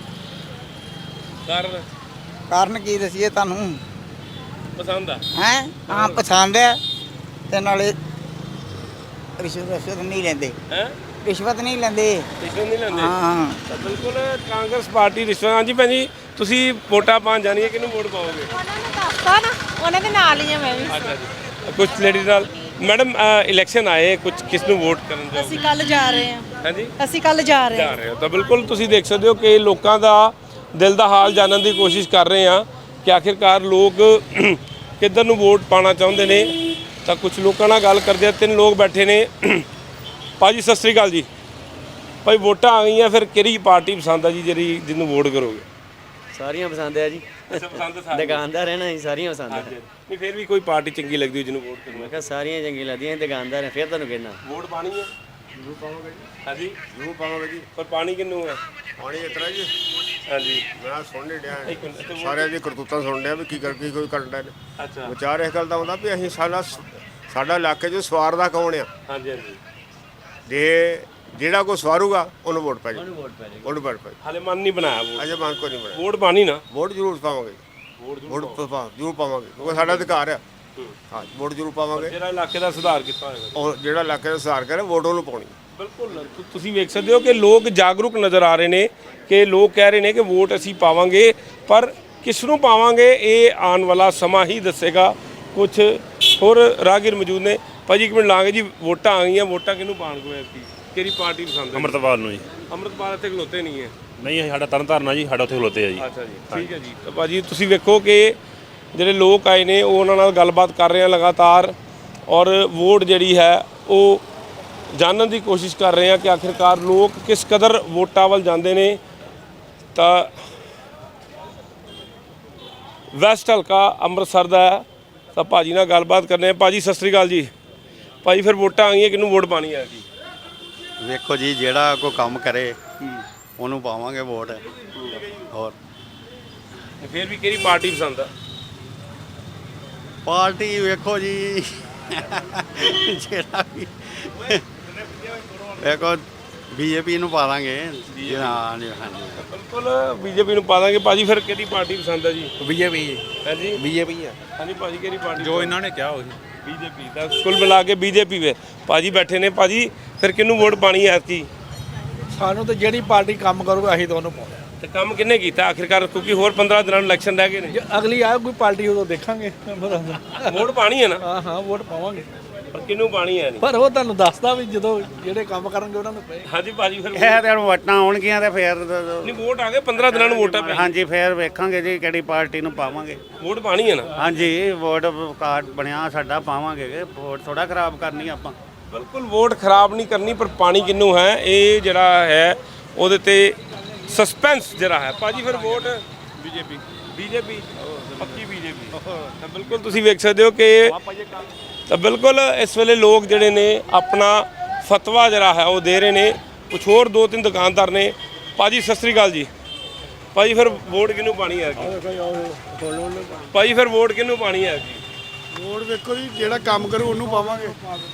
Speaker 3: ਕਾਰਨ
Speaker 6: ਕਾਰਨ ਕੀ ਦਸੀਏ ਤੁਹਾਨੂੰ?
Speaker 3: ਪਸੰਦ ਆ
Speaker 6: ਹੈ ਹਾਂ, ਪਸੰਦ ਹੈ, ਤੇ ਨਾਲੇ ਰਿਸ਼ਵਤ ਰਿਸ਼ਵਤ ਨਹੀਂ ਲੈਂਦੇ।
Speaker 3: ਹੈ
Speaker 6: ਰਿਸ਼ਵਤ ਨਹੀਂ ਲੈਂਦੇ।
Speaker 3: ਰਿਸ਼ਵਤ ਨਹੀਂ ਲੈਂਦੇ?
Speaker 6: ਹਾਂ
Speaker 3: ਤਾਂ ਬਿਲਕੁਲ ਕਾਂਗਰਸ ਪਾਰਟੀ ਰਿਸ਼ਵਤ। ਹਾਂਜੀ ਭੈਣ ਜੀ, ਤੁਸੀਂ ਵੋਟਾਂ ਪਾਉਣ ਜਾਣੀ ਹੈ, ਕਿਹਨੂੰ ਵੋਟ ਪਾਓਗੇ?
Speaker 10: ਉਹਨਾਂ ਨੇ ਦੱਸਤਾ ਨਾ, ਉਹਨਾਂ ਦੇ ਨਾਲ ਹੀ ਆ ਮੈਂ ਵੀ।
Speaker 3: ਅੱਛਾ ਜੀ। ਕੁਝ ਲੇਡੀਜ਼ ਨਾਲ ਮੈਡਮ ਇਲੈਕਸ਼ਨ ਆਏ, ਕੁਝ ਕਿਸ ਨੂੰ ਵੋਟ ਕਰਨ ਜਾਓਗੇ?
Speaker 10: ਅਸੀਂ ਕੱਲ ਜਾ ਰਹੇ ਹਾਂ।
Speaker 3: ਹਾਂਜੀ,
Speaker 10: ਅਸੀਂ ਕੱਲ ਜਾ ਰਹੇ
Speaker 3: ਜਾ
Speaker 10: ਹਾਂ।
Speaker 3: ਰਹੇ ਹੋ। ਤਾਂ ਬਿਲਕੁਲ ਤੁਸੀਂ ਦੇਖ ਸਕਦੇ ਹੋ ਕਿ ਲੋਕਾਂ ਦਾ ਦਿਲ ਦਾ ਹਾਲ ਜਾਣਨ ਦੀ ਕੋਸ਼ਿਸ਼ ਕਰ ਰਹੇ ਹਾਂ ਕਿ ਆਖਿਰਕਾਰ ਲੋਕ ਕਿੱਧਰ ਨੂੰ ਵੋਟ ਪਾਉਣਾ ਚਾਹੁੰਦੇ ਨੇ। ਤਾਂ ਕੁਝ ਲੋਕਾਂ ਨਾਲ ਗੱਲ ਕਰਦੇ ਆ। ਤਿੰਨ ਲੋਕ ਬੈਠੇ ਨੇ। ਭਾਜੀ ਸਤਿ ਸ੍ਰੀ ਅਕਾਲ ਜੀ। ਭਾਈ ਵੋਟਾਂ ਆ ਗਈਆਂ, ਫਿਰ ਕਿਹੜੀ ਪਾਰਟੀ ਪਸੰਦ ਆ ਜੀ ਜਿਹੜੀ ਜਿਹਨੂੰ ਵੋਟ ਕਰੋਗੇ?
Speaker 4: ਸਾਰੀਆਂ ਪਸੰਦ ਹੈ ਜੀ,
Speaker 3: ਪਸੰਦ
Speaker 4: ਦੁਕਾਨਦਾਰ ਹੈ ਨਾ ਜੀ, ਸਾਰੀਆਂ ਪਸੰਦ ਹੈ।
Speaker 3: ਨਹੀਂ, ਫਿਰ ਵੀ ਕੋਈ ਪਾਰਟੀ ਚੰਗੀ ਲੱਗਦੀ ਜਿਹਨੂੰ ਵੋਟ ਕਰਨਾ?
Speaker 4: ਮੈਂ ਕਿਹਾ ਸਾਰੀਆਂ ਚੰਗੀਆਂ ਲੱਗਦੀਆਂ, ਦੁਕਾਨਦਾਰ ਹੈ, ਫਿਰ ਤੁਹਾਨੂੰ ਕਹਿਣਾ
Speaker 3: ਵੋਟ ਪਾਣੀ ਹੈ? ਜ਼ਰੂਰ ਪਾਵਾਂਗੇ ਜੀ। ਹਾਂਜੀ
Speaker 1: ਜ਼ਰੂਰ ਪਾਵਾਂਗੇ ਜੀ।
Speaker 3: ਪਰ ਪਾਣੀ ਕਿਹਨੂੰ ਹੈ?
Speaker 1: ਪਾਣੀ ਇਸ ਤਰ੍ਹਾਂ ਜੀ,
Speaker 3: ਹਾਂਜੀ
Speaker 1: ਮੈਂ ਸੁਣ ਨਹੀਂ ਡਿਆ,
Speaker 3: ਇੱਕ ਮਿੰਟ, ਇੱਥੇ
Speaker 1: ਸਾਰਿਆਂ ਦੀ ਕਰਤੂਤਾਂ ਸੁਣ ਡਿਆ ਵੀ ਕੀ ਕਰ ਕੀ ਕੋਈ ਕਰਨ ਡਿਆ ਨੇ।
Speaker 3: ਅੱਛਾ
Speaker 1: ਵਿਚਾਰ ਇਸ ਗੱਲ ਦਾ ਆਉਂਦਾ ਵੀ ਅਸੀਂ ਸਾਡਾ ਸਾਡਾ ਇਲਾਕੇ 'ਚ ਸਵਾਰਦਾ ਕੌਣ ਆ?
Speaker 3: ਹਾਂਜੀ ਹਾਂਜੀ।
Speaker 1: ਜੇ ਜਿਹੜਾ ਕੋਈ ਸਵਾਰੂਗਾ ਉਹਨੂੰ ਵੋਟ ਪੈ ਜਾਏ,
Speaker 4: ਉਹਨੂੰ ਵੋਟ ਪੈ ਜਾਏਗੀ।
Speaker 1: ਉਹਨੂੰ ਵੋਟ ਪੈ
Speaker 3: ਹਾਲੇ ਮਨ ਨਹੀਂ ਬਣਾਇਆ ਵੋਟ।
Speaker 1: ਅਜੇ ਮਨ ਕੋ ਨਹੀਂ ਬਣਿਆ।
Speaker 3: ਵੋਟ ਪਾਣੀ ਨਾ?
Speaker 1: ਵੋਟ ਜ਼ਰੂਰ ਪਾਵਾਂਗੇ।
Speaker 3: ਵੋਟ
Speaker 1: ਵੋਟ ਪਾ ਜ਼ਰੂਰ ਪਾਵਾਂਗੇ ਕਿਉਂਕਿ ਸਾਡਾ ਅਧਿਕਾਰ ਆ। ਹਾਂ, ਵੋਟ ਜ਼ਰੂਰ ਪਾਵਾਂਗੇ।
Speaker 3: ਜਿਹੜਾ ਇਲਾਕੇ ਦਾ ਸੁਧਾਰ ਕੀਤਾ ਹੋਏਗਾ।
Speaker 1: ਔਰ ਜਿਹੜਾ ਇਲਾਕੇ ਦਾ ਸੁਧਾਰ ਕਰੇ ਵੋਟ ਉਹਨੂੰ ਪਾਉਣੀ।
Speaker 3: ਬਿਲਕੁਲ ਤੁ- ਤੁਸੀਂ ਵੇਖ ਸਕਦੇ ਹੋ ਕਿ ਲੋਕ ਜਾਗਰੂਕ ਨਜ਼ਰ ਆ ਰਹੇ ਨੇ ਕਿ ਲੋਕ ਕਹਿ ਰਹੇ ਨੇ ਕਿ ਵੋਟ ਅਸੀਂ ਪਾਵਾਂਗੇ ਪਰ ਕਿਸ ਨੂੰ ਪਾਵਾਂਗੇ ਇਹ ਆਉਣ ਵਾਲਾ ਸਮਾਂ ਹੀ ਦੱਸੇਗਾ। ਕੁਝ ਹੋਰ ਰਾਹਗੀਰ ਮੌਜੂਦ ਨੇ। ਭਾਜੀ ਇੱਕ ਮਿੰਟ ਲਾਂਗੇ ਜੀ, ਵੋਟਾਂ ਆ ਗਈਆਂ, ਵੋਟਾਂ ਕਿਹਨੂੰ ਪਾਣ ਕੋ ਐਤਕੀ? ਕਿਹੜੀ ਪਾਰਟੀ ਪਸੰਦ ਹੈ?
Speaker 11: ਅੰਮ੍ਰਿਤਪਾਲ ਨੂੰ ਜੀ।
Speaker 3: ਅੰਮ੍ਰਿਤਪਾਲ ਇੱਥੇ ਖਲੋਤੇ ਨਹੀਂ ਹੈ?
Speaker 11: ਨਹੀਂ, ਸਾਡਾ ਤਰਨਤਾਰਨ ਆ ਜੀ, ਸਾਡਾ ਉੱਥੇ ਖਲੋਤੇ ਆ ਜੀ।
Speaker 3: ਅੱਛਾ ਜੀ, ਠੀਕ ਹੈ ਜੀ। ਤਾਂ ਭਾਜੀ ਤੁਸੀਂ ਵੇਖੋ ਕਿ ਜਿਹੜੇ ਲੋਕ ਆਏ ਨੇ ਉਹ ਉਹਨਾਂ ਨਾਲ ਗੱਲਬਾਤ ਕਰ ਰਹੇ ਆ ਲਗਾਤਾਰ, ਔਰ ਵੋਟ ਜਿਹੜੀ ਹੈ ਉਹ ਜਾਣਨ ਦੀ ਕੋਸ਼ਿਸ਼ ਕਰ ਰਹੇ ਆ ਕਿ ਆਖਿਰਕਾਰ ਲੋਕ ਕਿਸ ਕਦਰ ਵੋਟਾਂ ਵੱਲ ਜਾਂਦੇ ਨੇ। ਤਾਂ ਵੈਸਟ ਹਲਕਾ ਅੰਮ੍ਰਿਤਸਰ ਦਾ ਹੈ, ਤਾਂ ਭਾਜੀ ਨਾਲ ਗੱਲਬਾਤ ਕਰਨੇ ਆ। ਭਾਜੀ ਸਤਿ ਸ੍ਰੀ ਅਕਾਲ ਜੀ। ਭਾਜੀ ਫਿਰ ਵੋਟਾਂ ਆ ਗਈਆਂ, ਕਿਹਨੂੰ ਵੋਟ ਪਾਣੀ ਹੈ ਜੀ?
Speaker 12: ਵੇਖੋ ਜੀ, ਜਿਹੜਾ ਕੋਈ ਕੰਮ ਕਰੇ ਉਹਨੂੰ ਪਾਵਾਂਗੇ ਵੋਟ। ਹੋਰ
Speaker 3: ਫਿਰ ਵੀ ਕਿਹੜੀ ਪਾਰਟੀ ਪਸੰਦ ਆ?
Speaker 12: ਪਾਰਟੀ ਵੇਖੋ ਜੀ, ਜਿਹੜਾ ਵੀ ਵੇਖੋ ਬੀਜੇਪੀ ਨੂੰ ਪਾ ਦਾਂਗੇ। ਹਾਂ ਜੀ, ਹਾਂਜੀ
Speaker 3: ਬਿਲਕੁਲ ਬੀਜੇਪੀ ਨੂੰ ਪਾ ਦਾਂਗੇ। ਭਾਜੀ ਫਿਰ ਕਿਹੜੀ ਪਾਰਟੀ ਪਸੰਦ ਹੈ ਜੀ?
Speaker 2: ਬੀਜੇਪੀ
Speaker 3: ਹਾਂਜੀ
Speaker 2: ਬੀਜੇਪੀ ਆ
Speaker 3: ਹਾਂਜੀ ਭਾਜੀ ਕਿਹੜੀ ਪਾਰਟੀ?
Speaker 2: ਜੋ ਇਹਨਾਂ ਨੇ ਕਿਹਾ ਉਹੀ
Speaker 3: ਬੀਜੇਪੀ ਦਾ ਕੁੱਲ ਮਿਲਾ ਕੇ ਬੀਜੇਪੀ ਵੇ। ਭਾਜੀ ਬੈਠੇ ਨੇ। ਭਾਜੀ ਫਿਰ ਕਿਹਨੂੰ ਵੋਟ ਪਾਣੀ ਹੈ ਐਤਕੀ?
Speaker 9: ਸਾਨੂੰ ਤਾਂ ਜਿਹੜੀ ਪਾਰਟੀ ਕੰਮ ਕਰੂਗਾ ਅਸੀਂ ਤਾਂ ਉਹਨੂੰ ਪਾਉਣਾ।
Speaker 3: ਤੇ ਕੰਮ ਕਿੰਨੇ ਕੀਤਾ ਆਖਿਰਕਾਰ? ਕਿਉਂਕਿ ਹੋਰ ਪੰਦਰਾਂ ਦਿਨਾਂ ਨੂੰ ਇਲੈਕਸ਼ਨ ਰਹਿ ਗਏ ਨੇ।
Speaker 9: ਜੇ ਅਗਲੀ ਆਏ ਕੋਈ ਪਾਰਟੀ ਉਦੋਂ ਦੇਖਾਂਗੇ।
Speaker 3: ਵੋਟ ਪਾਣੀ ਹੈ ਨਾ?
Speaker 9: ਹਾਂ ਹਾਂ ਵੋਟ ਪਾਵਾਂਗੇ,
Speaker 3: ਪਰ ਕਿਹਨੂੰ ਪਾਣੀ ਹੈ ਨਹੀਂ?
Speaker 9: ਪਰ ਉਹ ਤੁਹਾਨੂੰ ਦੱਸਦਾ ਵੀ ਜਦੋਂ ਜਿਹੜੇ ਕੰਮ ਕਰਨਗੇ ਉਹਨਾਂ ਨੂੰ ਪਏ।
Speaker 3: ਹਾਂਜੀ ਭਾਜੀ ਫਿਰ
Speaker 6: ਇਹ ਤੇ ਵੋਟਾਂ ਆਉਣਗੀਆਂ ਤੇ ਫੇਰ
Speaker 3: ਨਹੀਂ, ਵੋਟ ਆ ਗਏ ਪੰਦਰਾਂ ਦਿਨਾਂ ਨੂੰ ਵੋਟਾਂ ਪੈ।
Speaker 6: ਹਾਂਜੀ ਫੇਰ ਵੇਖਾਂਗੇ ਜੀ ਕਿਹੜੀ ਪਾਰਟੀ ਨੂੰ ਪਾਵਾਂਗੇ।
Speaker 3: ਵੋਟ ਪਾਣੀ ਹੈ ਨਾ?
Speaker 6: ਹਾਂਜੀ ਵੋਟ ਕਾਰਡ ਬਣਿਆ ਸਾਡਾ, ਪਾਵਾਂਗੇ। ਵੋਟ ਥੋੜਾ ਖਰਾਬ ਕਰਨੀ ਆਪਾਂ।
Speaker 3: ਬਿਲਕੁਲ ਵੋਟ ਖਰਾਬ ਨਹੀਂ ਕਰਨੀ, ਪਰ ਪਾਣੀ ਕਿਹਨੂੰ ਹੈ ਇਹ ਜਿਹੜਾ ਹੈ ਉਹਦੇ ਤੇ ਸਸਪੈਂਸ ਜਿਹੜਾ ਹੈ। ਭਾਜੀ ਫਿਰ ਵੋਟ ਬੀਜੇਪੀ ਬੀਜੇਪੀ ਪੱਕੀ ਬੀਜੇਪੀ। ਤਾਂ ਬਿਲਕੁਲ ਤੁਸੀਂ ਵੇਖ ਸਕਦੇ ਹੋ ਕਿ ਤਾਂ ਬਿਲਕੁਲ ਇਸ ਵੇਲੇ ਲੋਕ ਜਿਹੜੇ ਨੇ ਆਪਣਾ ਫਤਵਾ ਜਿਹੜਾ ਹੈ ਉਹ ਦੇ ਰਹੇ ਨੇ। ਕੁਛ ਹੋਰ ਦੋ ਤਿੰਨ ਦੁਕਾਨਦਾਰ ਨੇ। ਭਾਜੀ ਸਤਿ ਸ੍ਰੀ ਅਕਾਲ ਜੀ। ਭਾਜੀ ਫਿਰ ਵੋਟ ਕਿਹਨੂੰ ਪਾਣੀ ਹੈ? ਭਾਜੀ ਫਿਰ ਵੋਟ ਕਿਹਨੂੰ ਪਾਣੀ ਹੈ?
Speaker 5: ਵੋਟ ਵੇਖੋ ਜੀ, ਜਿਹੜਾ ਕੰਮ ਕਰੂ ਉਹਨੂੰ ਪਾਵਾਂਗੇ।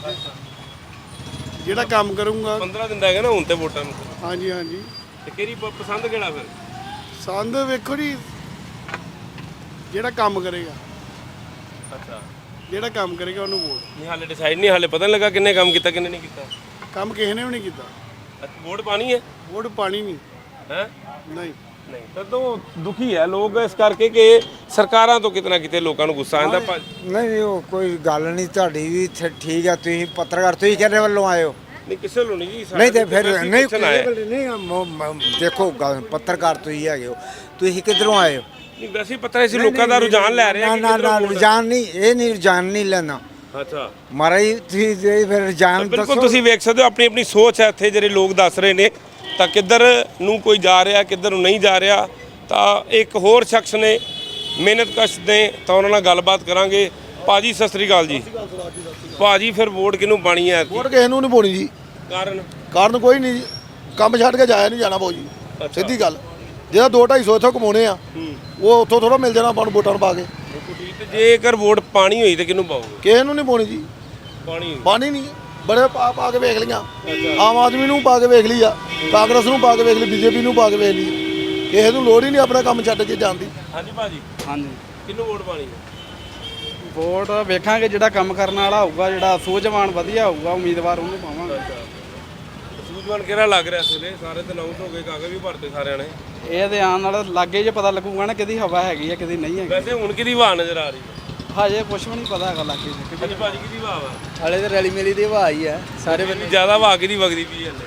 Speaker 5: ਜਿਹੜਾ ਕੰਮ ਕਰੂੰਗਾ।
Speaker 3: ਪੰਦਰਾਂ ਦਿਨ ਰਹਿ ਗਏ ਨਾ ਹੁਣ ਤੇ ਵੋਟਾਂ ਨੂੰ।
Speaker 5: ਹਾਂਜੀ ਹਾਂਜੀ।
Speaker 3: ਤੇ ਕਿਹੜੀ ਪ- ਪਸੰਦ ਕਿਹੜਾ ਫਿਰ?
Speaker 5: ਸੰਦ ਵੇਖੋ ਜੀ, ਜਿਹੜਾ ਕੰਮ ਕਰੇਗਾ।
Speaker 3: ਅੱਛਾ,
Speaker 5: ਜਿਹੜਾ ਕੰਮ ਕਰੇਗਾ ਉਹਨੂੰ ਵੋਟ।
Speaker 3: ਨਹੀਂ ਹਾਲੇ ਡਿਸਾਈਡ ਨਹੀਂ, ਹਾਲੇ ਪਤਾ ਨਹੀਂ ਲੱਗਾ ਕਿੰਨੇ ਕੰਮ ਕੀਤਾ ਕਿੰਨੇ ਨਹੀਂ ਕੀਤਾ।
Speaker 5: ਕੰਮ ਕਿਸੇ ਨੇ ਵੀ ਨਹੀਂ ਕੀਤਾ।
Speaker 3: ਅੱਛਾ, ਵੋਟ ਪਾਣੀ ਹੈ?
Speaker 5: ਵੋਟ ਪਾਣੀ ਨਹੀਂ
Speaker 3: ਹੈ
Speaker 5: ਨਹੀਂ
Speaker 3: ਨਹੀਂ ਤਾਂ ਤੋਂ ਦੁਖੀ ਹੈ ਲੋਕ ਇਸ ਕਰਕੇ ਕਿ ਸਰਕਾਰਾਂ ਤੋਂ ਕਿਤਨਾ ਕਿਤੇ ਲੋਕਾਂ ਨੂੰ ਗੁੱਸਾ ਆਉਂਦਾ। ਭਾ-
Speaker 9: ਨਹੀਂ ਉਹ ਕੋਈ ਗੱਲ ਨਹੀਂ, ਤੁਹਾਡੀ ਵੀ ਇੱਥੇ ਠੀਕ ਆ। ਤੁਸੀਂ ਪੱਤਰਕਾਰ ਤੁਸੀਂ ਕਿਹੜੇ ਵੱਲੋਂ ਆਏ ਹੋ?
Speaker 3: ਨਹੀਂ ਕਿਸੇ ਨੂੰ ਨਹੀਂ ਜੀ।
Speaker 9: ਨਹੀਂ ਤੇ ਫਿਰ
Speaker 3: ਵੈਸੇ ਹੀ
Speaker 9: ਨਹੀਂ
Speaker 3: ਪੁੱਛਣ ਆਏ।
Speaker 9: ਨਹੀਂ ਮ- ਮ- ਦੇਖੋ ਗੱਲ ਪੱਤਰਕਾਰ ਤੁਸੀਂ ਹੈਗੇ ਹੋ, ਤੁਸੀਂ ਕਿੱਧਰੋਂ ਆਏ ਹੋ?
Speaker 3: ਨਹੀਂ ਵੈਸੇ ਹੀ ਪਤਾ ਹੈ ਸੀ ਲੋਕਾਂ ਦਾ ਰੁਝਾਨ ਲੈ ਰਹੇ ਆ
Speaker 9: ਨਾ
Speaker 3: ਕਿ
Speaker 9: ਨਾ
Speaker 3: ਕਿੱਧਰੋਂ
Speaker 9: ਨਾ
Speaker 3: ਵੋਟ-
Speaker 9: ਰੁਝਾਨ ਨਹੀਂ, ਇਹ ਨਹੀਂ ਰੁਝਾਨ ਨਹੀਂ ਲੈਣਾ
Speaker 3: ਅੱਛਾ
Speaker 9: ਮਹਾਰਾਜ। ਤੁਸੀਂ ਜੇ ਫਿਰ ਰੁਝਾਨ
Speaker 3: ਬਿਲਕੁਲ ਤੁਸੀਂ ਵੇਖ ਸਕਦੇ ਹੋ ਆਪਣੀ ਆਪਣੀ ਸੋਚ ਹੈ ਇੱਥੇ ਜਿਹੜੇ ਲੋਕ ਦੱਸ ਰਹੇ ਨੇ। ਤਾਂ ਕਿੱਧਰ ਨੂੰ ਕੋਈ ਜਾ ਰਿਹਾ ਕਿੱਧਰ ਨੂੰ ਨਹੀਂ ਜਾ ਰਿਹਾ। ਤਾਂ ਇੱਕ ਹੋਰ ਸ਼ਖਸ ਨੇ ਮਿਹਨਤਕਸ਼ ਨੇ, ਤਾਂ ਉਹਨਾਂ ਨਾਲ ਗੱਲਬਾਤ ਕਰਾਂਗੇ। ਭਾਜੀ ਸਤਿ ਸ੍ਰੀ ਅਕਾਲ ਜੀ। ਭਾਜੀ ਫਿਰ ਵੋਟ ਕਿਹਨੂੰ ਪਾਣੀ ਹੈ?
Speaker 5: ਵੋਟ ਕਿਸੇ ਨੂੰ ਨਹੀਂ ਪਾਉਣੀ ਜੀ।
Speaker 3: ਕਾਰਨ
Speaker 5: ਕਾਰਨ ਕੋਈ ਨਹੀਂ ਜੀ, ਕੰਮ ਛੱਡ ਕੇ ਜਾਇਆ ਨਹੀਂ ਜਾਣਾ ਬਾਊ ਜੀ। ਸਿੱਧੀ ਗੱਲ, ਜਿਹੜਾ ਦੋ ਢਾਈ ਸੌ ਇੱਥੋਂ ਕਮਾਉਣੇ ਆ ਉਹ ਉੱਥੋਂ ਥੋੜਾ ਮਿਲ ਜਾਣਾ ਆਪਾਂ ਨੂੰ ਵੋਟਾਂ ਨੂੰ ਪਾ ਕੇ।
Speaker 3: ਤੇ ਜੇਕਰ ਵੋਟ ਪਾਣੀ ਹੋਈ ਤੇ ਕਿਹਨੂੰ ਪਾਓਗੇ?
Speaker 5: ਕਿਸੇ ਨੂੰ ਨਹੀਂ ਪਾਉਣੀ ਜੀ।
Speaker 3: ਪਾਣੀ
Speaker 5: ਪਾਣੀ ਨਹੀਂ, ਬੜੇ ਪਾ ਪਾ ਕੇ ਵੇਖ ਲਈਆਂ। ਆਮ ਆਦਮੀ ਨੂੰ ਪਾ ਕੇ ਵੇਖ ਲਈ ਆ, ਕਾਂਗਰਸ ਨੂੰ ਪਾ ਕੇ ਵੇਖ ਲਈ, ਬੀਜੇਪੀ ਨੂੰ ਪਾ ਕੇ ਵੇਖ ਲਈ। ਕਿਸੇ ਨੂੰ ਲੋੜ ਹੀ ਨਹੀਂ ਆਪਣਾ ਕੰਮ ਛੱਡ ਕੇ ਜਾਣ ਦੀ।
Speaker 3: ਹਾਂਜੀ ਭਾਜੀ
Speaker 9: ਹਾਂਜੀ
Speaker 3: ਕਿਹਨੂੰ ਵੋਟ ਪਾਣੀ ਹੈ?
Speaker 9: ਵੋਟ ਵੇਖਾਂਗੇ, ਜਿਹੜਾ ਕੰਮ ਕਰਨ ਵਾਲਾ ਹੋਊਗਾ, ਜਿਹੜਾ ਸੂਝਵਾਨ ਵਧੀਆ ਹੋਊਗਾ ਉਮੀਦਵਾਰ ਉਹਨੂੰ ਪਾਵਾਂਗੇ।
Speaker 3: ਸੂਝਵਾਨ ਕਿਹੜਾ ਲੱਗ ਰਿਹਾ ਇਸ ਵੇਲੇ? ਸਾਰੇ ਤੇ ਅਨਾਉਂਸ ਹੋ ਗਏ, ਕਾਗਜ਼ ਵੀ ਭਰਤੇ ਸਾਰਿਆਂ ਨੇ।
Speaker 9: ਇਹ ਤੇ ਆਉਣ ਨਾਲ ਲਾਗੇ ਜੇ ਪਤਾ ਲੱਗੂਗਾ ਨਾ ਕਿਹਦੀ ਹਵਾ ਹੈਗੀ ਆ ਕਿਹਦੀ ਨਹੀਂ ਹੈਗੀ।
Speaker 3: ਵੈਸੇ ਹੁਣ ਕਿਹਦੀ ਹਵਾ ਨਜ਼ਰ ਆ ਰਹੀ ਹੈ?
Speaker 9: ਹਜੇ ਕੁਝ ਵੀ ਨਹੀਂ ਪਤਾ ਹੈਗਾ ਲਾਗੇ ਜੇ।
Speaker 3: ਹਾਂਜੀ ਭਾਜੀ ਕਿਹਦੀ ਹਵਾ ਵਾ?
Speaker 4: ਹਾਲੇ ਤੇ ਰੈਲੀ ਮੇਲੀ ਦੀ ਹਵਾ ਹੀ ਹੈ ਸਾਰੇ
Speaker 3: ਬੰਦੇ ਜ਼ਿਆਦਾ ਹਵਾ ਕਿਹਦੀ ਵਗਦੀ ਪਈ ਹਲੇ?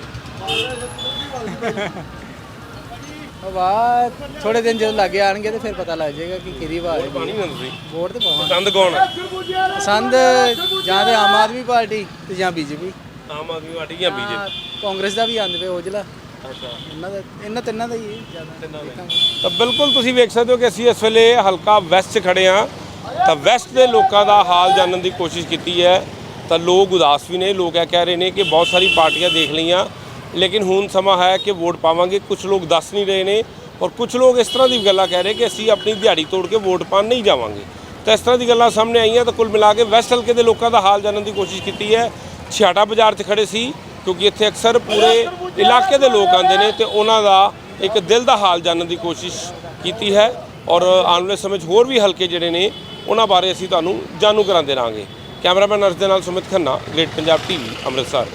Speaker 4: ਹਵਾ ਥੋੜੇ ਦਿਨ ਜਦੋਂ ਲੱਗੇ ਆਣਗੇ ਤੇ ਫਿਰ ਪਤਾ ਲੱਗ ਜਾਏਗਾ ਕਿ ਕਿਹਦੀ ਹਵਾ ਹੈ।
Speaker 3: ਪਾਣੀ ਨਾ ਤੁਸੀਂ
Speaker 4: ਵੋਟ ਤੇ ਪਾਵਾਂਗੇ।
Speaker 3: ਪਸੰਦ ਕੌਣ ਹੈ?
Speaker 4: ਪਸੰਦ ਜਾਂ ਤੇ ਆਮ ਆਦਮੀ ਪਾਰਟੀ ਤੇ ਜਾਂ ਬੀਜੇਪੀ।
Speaker 3: ਆਮ ਆਦਮੀ ਪਾਰਟੀ ਜਾਂ ਬੀਜੇਪੀ?
Speaker 4: ਕਾਂਗਰਸ ਦਾ ਵੀ ਆਂਦੇ ਪਏ ਔਜਲਾ।
Speaker 3: ਅੱਛਾ,
Speaker 4: ਇਹਨਾਂ ਦਾ ਇਹਨਾਂ ਤਿੰਨਾਂ ਦਾ ਹੀ ਹੈ ਜ਼ਿਆਦਾ।
Speaker 3: ਤਾਂ ਬਿਲਕੁਲ ਤੁਸੀਂ ਵੇਖ ਸਕਦੇ ਹੋ ਕਿ ਅਸੀਂ ਇਸ ਵੇਲੇ ਹਲਕਾ ਵੈਸਟ 'ਚ ਖੜੇ ਹਾਂ। ਤਾਂ ਵੈਸਟ ਦੇ ਲੋਕਾਂ ਦਾ ਹਾਲ ਜਾਣਨ ਦੀ ਕੋਸ਼ਿਸ਼ ਕੀਤੀ ਹੈ। ਤਾਂ ਲੋਕ ਉਦਾਸ ਵੀ ਨੇ। ਲੋਕ ਇਹ ਕਹਿ ਰਹੇ ਨੇ ਕਿ ਬਹੁਤ ਸਾਰੀ ਪਾਰਟੀਆਂ ਦੇਖ ਲਈਆਂ, ਲੇਕਿਨ ਹੁਣ ਸਮਾਂ ਹੈ ਕਿ ਵੋਟ ਪਾਵਾਂਗੇ। ਕੁਝ ਲੋਕ ਦੱਸ ਨਹੀਂ ਰਹੇ ਨੇ, ਔਰ ਕੁਝ ਲੋਕ ਇਸ ਤਰ੍ਹਾਂ ਦੀ ਗੱਲਾਂ ਕਹਿ ਰਹੇ ਕਿ ਅਸੀਂ ਆਪਣੀ ਦਿਹਾੜੀ ਤੋੜ ਕੇ ਵੋਟ ਪਾਣ ਨਹੀਂ ਜਾਵਾਂਗੇ। ਤਾਂ ਇਸ ਤਰ੍ਹਾਂ ਦੀ ਗੱਲਾਂ ਸਾਹਮਣੇ ਆਈਆਂ। ਤਾਂ ਕੁੱਲ ਮਿਲਾ ਕੇ ਵੈਸਟ ਹਲਕੇ ਦੇ ਲੋਕਾਂ ਦਾ ਹਾਲ ਜਾਣਨ ਦੀ ਕੋਸ਼ਿਸ਼ ਕੀਤੀ ਹੈ। ਛਿਆਟਾ ਬਾਜ਼ਾਰ 'ਚ ਖੜੇ ਸੀ ਕਿਉਂਕਿ ਇੱਥੇ ਅਕਸਰ ਪੂਰੇ ਇਲਾਕੇ ਦੇ ਲੋਕ ਆਉਂਦੇ ਨੇ ਤੇ ਉਹਨਾਂ ਦਾ ਇੱਕ ਦਿਲ ਦਾ ਹਾਲ ਜਾਣਨ ਦੀ ਕੋਸ਼ਿਸ਼ ਕੀਤੀ ਹੈ। ਔਰ ਆਉਣ ਵਾਲੇ ਸਮੇਂ 'ਚ ਹੋਰ ਵੀ ਹਲਕੇ ਜਿਹੜੇ ਨੇ ਉਹਨਾਂ ਬਾਰੇ ਅਸੀਂ ਤੁਹਾਨੂੰ ਜਾਣੂ ਕਰਾਉਂਦੇ ਰਹਾਂਗੇ। ਕੈਮਰਾਮੈਨ ਅਰਸ਼ ਦੇ ਨਾਲ ਸੁਮਿਤ ਖੰਨਾ, ਗ੍ਰੇਟ ਪੰਜਾਬ ਟੀਵੀ, ਅੰਮ੍ਰਿਤਸਰ।